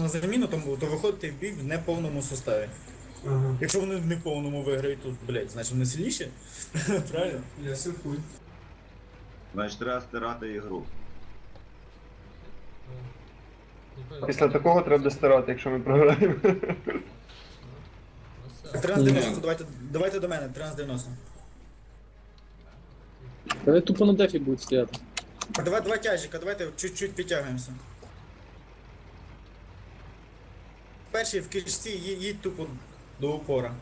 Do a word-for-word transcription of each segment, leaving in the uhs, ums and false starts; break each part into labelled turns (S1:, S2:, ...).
S1: заміну, то, то виходите в бій в неповному составі.
S2: Ага.
S1: Якщо вони в неповному виграють, то, блядь, значить вони сильніші. Правильно?
S2: Я сифуй.
S3: Значить, треба стирати ігру.
S4: Після такого треба достирати, якщо ми програємо.
S1: тринадцять дев'яносто, давайте, давайте до мене, тринадцять дев'яносто.
S5: Вони тупо на дефі будуть стояти.
S1: Давай, два тяжика, давайте чуть-чуть підтягуємося. Перший в кишці ї- їдь тупо до упора.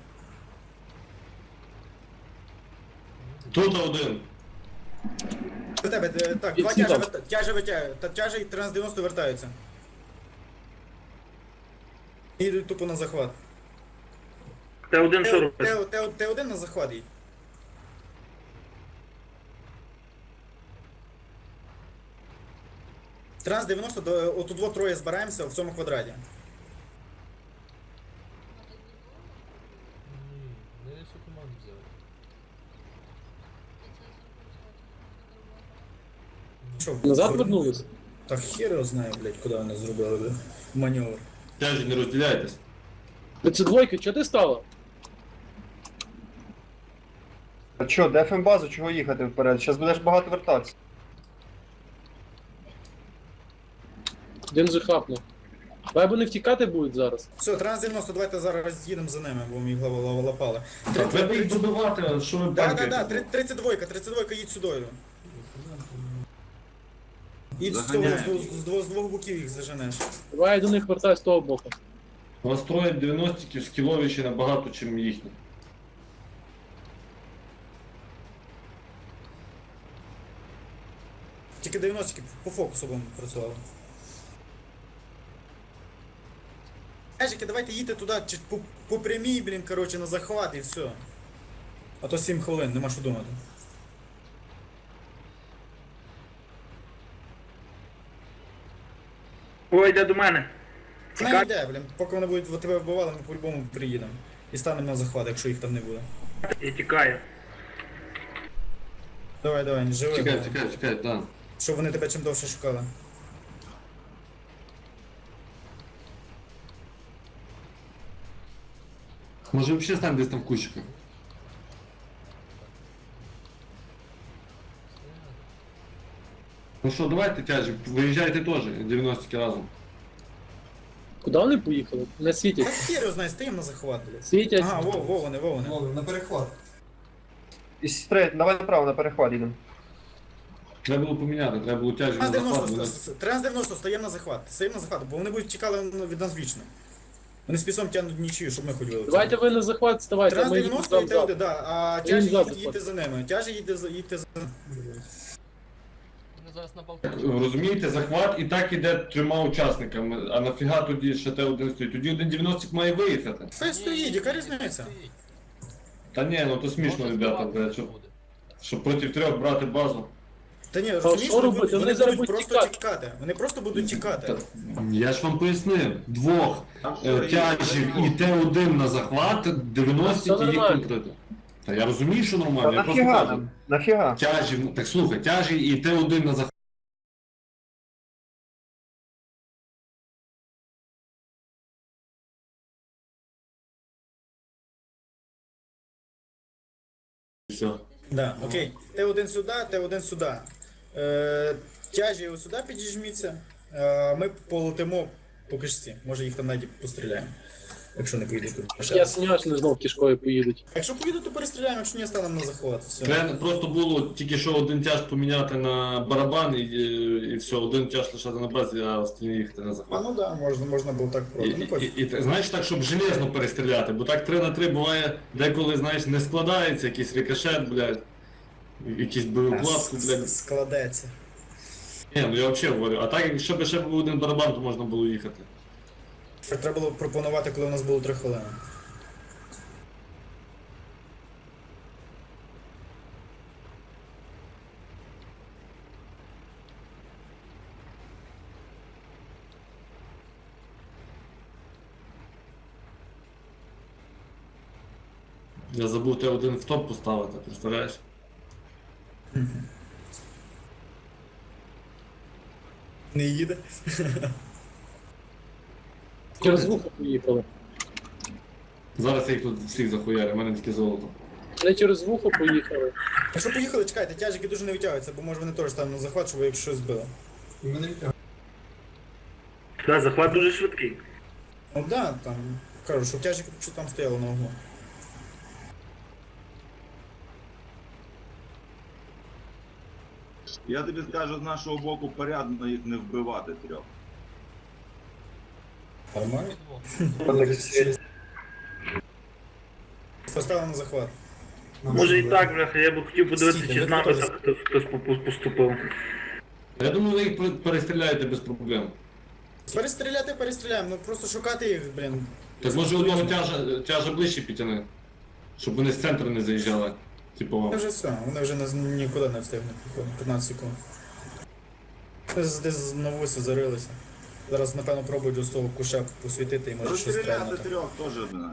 S6: Тут один.
S1: До тебе, е, так, два
S5: Всі
S1: тяжа,
S5: там.
S1: вит- тяжа витягують, та тяжа і тринадцять дев'яносто вертаються. І йдуть тупо на захват.
S7: Т один що робить?
S1: Т один на захват їдь. тринадцять дев'яносто, до, от у двох троє збираємося в цьому квадраті.
S8: Не всю команду взяли.
S1: Що,
S5: Назад
S1: зробили?
S5: вернулись?
S1: Та хер його знає, блядь, куди вони зробили, блядь, маневр.
S6: Тяжі, не розділяйтесь.
S5: Це двойка, чого ти стала?
S4: А що, дефем базу, чого їхати вперед? Зараз будеш багато вертатися.
S5: Один же хапнув. Давай вони втікати будуть зараз.
S1: Все, тринадцять дев'яносто, давайте зараз їдемо за ними, бо ми їх лава- лава- лапали.
S6: Так, треба їх добивати, що ви
S1: Да, да,
S6: банкаєте?
S1: да, тридцять два, тридцять два їдь сюди. Їдь з, цього,
S6: Заганяй.
S1: з, двох- з, двох- з двох боків їх заженеш.
S5: Давай я до них вертаю з того боку.
S6: Настроїть дев'яностиків скіловіші набагато, чим їхні.
S1: Тільки дев'яносто по фокусу будемо працювали. Ежики, давайте їдьте туди чи по, по прямій, блін, коротше, на захват і все. А то сім хвилин, нема що думати.
S7: Ой, йде до мене.
S1: Не йде, блін, поки вони будуть в тебе вбивали, ми по-любому приїдемо. І станемо на захват, якщо їх там не буде.
S7: І тікаю.
S1: Давай, давай, не живи.
S6: Чекай,
S1: бо-
S6: чекай, чекай, так.
S1: Щоб вони тебе чим довше шукали.
S6: Може взагалі стань десь там в кущиках. Ну що, давайте тяжі, виїжджайте теж, дев'яностики разом.
S5: Куди вони поїхали? Не
S1: Та
S5: світять.
S1: хер його знає, стоїмо на захват, блядь.
S5: Світять.
S1: Ага, во, во вони, во вони.
S2: Вон, на перехват.
S4: І стрейт, давай направо на перехват їдемо.
S6: Треба було поміняти, треба було тяжі на
S1: тринадцять
S6: захват.
S1: дев'яносто, тринадцять дев'яносто, стоїмо на захват, стоїмо на захват, бо вони будуть чекали від нас вічно. Вони з пісом тягнуть нічию, щоб ми хоч вилетіли.
S5: Давайте ви на захват ставайте, а ми
S1: тринадцять
S5: їдемо
S1: дев'яносто
S5: там
S1: і Т один,
S5: ззаду.
S1: да, а
S5: Їм
S1: тяжі
S5: ззаду
S1: їдь- їдьте за ними, тяжі їдьте за їдьте за ними.
S8: Вони зараз на балконі.
S6: Розумієте, захват і так іде трьома учасниками, а нафіга тоді ще Т один стоїть? Тоді один дев'яностик має виїхати.
S1: Хай стоїть, яка
S8: Ні,
S1: різниця?
S8: стоїть.
S6: Та ні, ну то смішно,
S8: Можна
S6: ребята,
S8: збивати
S6: блядь, щоб,
S8: буде.
S6: щоб проти трьох брати базу.
S1: Та ні,
S5: що
S1: розумієш, вони
S5: робити?
S1: будуть,
S5: Вони
S1: вони
S5: зараз
S1: будуть
S5: будуть
S1: просто
S5: тікати.
S1: тікати. Вони просто будуть тікати.
S6: Та, я ж вам пояснив, двох е, тяжів і Т один на захват, дев'яностики
S5: Все
S6: їх
S5: нормально.
S6: конкретно. Та я розумію, що
S4: Та
S6: нормально, я просто
S4: нафіга
S6: кажу.
S4: нам? Нафіга?
S6: Тяжі, так слухай, тяжі і Т один на захват. Все.
S1: Да, окей. Т один сюди, Т один сюди. Е, тяжі ось сюди підіжміться. Е, ми полетимо по кишці. Може їх там навіть постріляємо. Якщо не поїдуть тут.
S5: Я сумніваюся, що вони знов кішкою поїдуть.
S1: Якщо поїдуть, то перестріляємо, якщо ні, станемо на захват. Все.
S6: Треба просто було тільки що один тяж поміняти на барабан і, і все, один тяж лишати на базі, а остальні їхати на
S1: А
S6: захват.
S1: ну да, можна, можна було так
S6: І,
S1: просто. Ну,
S6: і,
S1: пофіг.
S6: і, і, знаєш, так, щоб железно перестріляти, бо так три на три буває, деколи, знаєш, не складається, якийсь рикошет, блядь, якийсь боєукладку, блядь.
S1: Складеться.
S6: Ні, ну я взагалі говорю, а так, якщо б ще був один барабан, то можна було їхати.
S1: Треба було пропонувати, коли у нас було три хвилини.
S6: Я забув Т один в топ поставити, представляєш?
S1: Не їде.
S5: Через вухо поїхали.
S6: Зараз я їх тут всіх захуярю, в мене таке золото.
S5: Не через вухо поїхали.
S1: Якщо поїхали, чекайте, тяжики дуже не витягуються, бо може вони теж там на захват, щоб якщо щось збили.
S7: Да, захват дуже швидкий.
S1: Ну да, там, кажу, що тяжики що там стояло на углу.
S3: Я тобі скажу, з нашого боку порядно їх не вбивати трьох.
S1: Нормально.
S8: Двох.
S1: Поставили на захват.
S7: Може і так, бляха, я б хотів подивитися,
S1: Стійте,
S7: чи
S1: ви
S7: з нами
S1: готові?
S7: так хтось- хтось попу- поступив.
S6: Я думаю, ви їх пер- перестріляєте без проблем.
S1: Перестріляти, перестріляємо, ну просто шукати їх, блін.
S6: Так може одного тяжа, тяжа ближче підтяни, щоб вони з центру не заїжджали. Типу,
S1: Вони вже все, вони вже не- нікуди не встигнуть, походу, п'ятнадцять секунд. Десь, десь на вусі зарилися. Зараз, напевно, пробують з того куша посвітити і може щось
S3: Розстріляти
S1: стрельнути.
S3: трьох теж одна.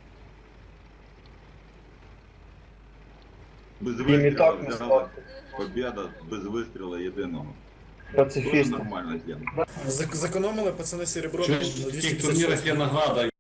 S3: Без
S4: Їм і
S3: вистрілу
S4: так не
S3: взяла.
S4: стати.
S3: Побєда без вистрілу єдиного. Дуже
S4: Пацифісти.
S3: нормальна тема.
S1: Зек- Зекономили пацани серебро на
S6: чуєш, в
S1: двісті
S6: таких
S1: п'ятдесят
S6: турнірах
S1: шість.
S6: є награда,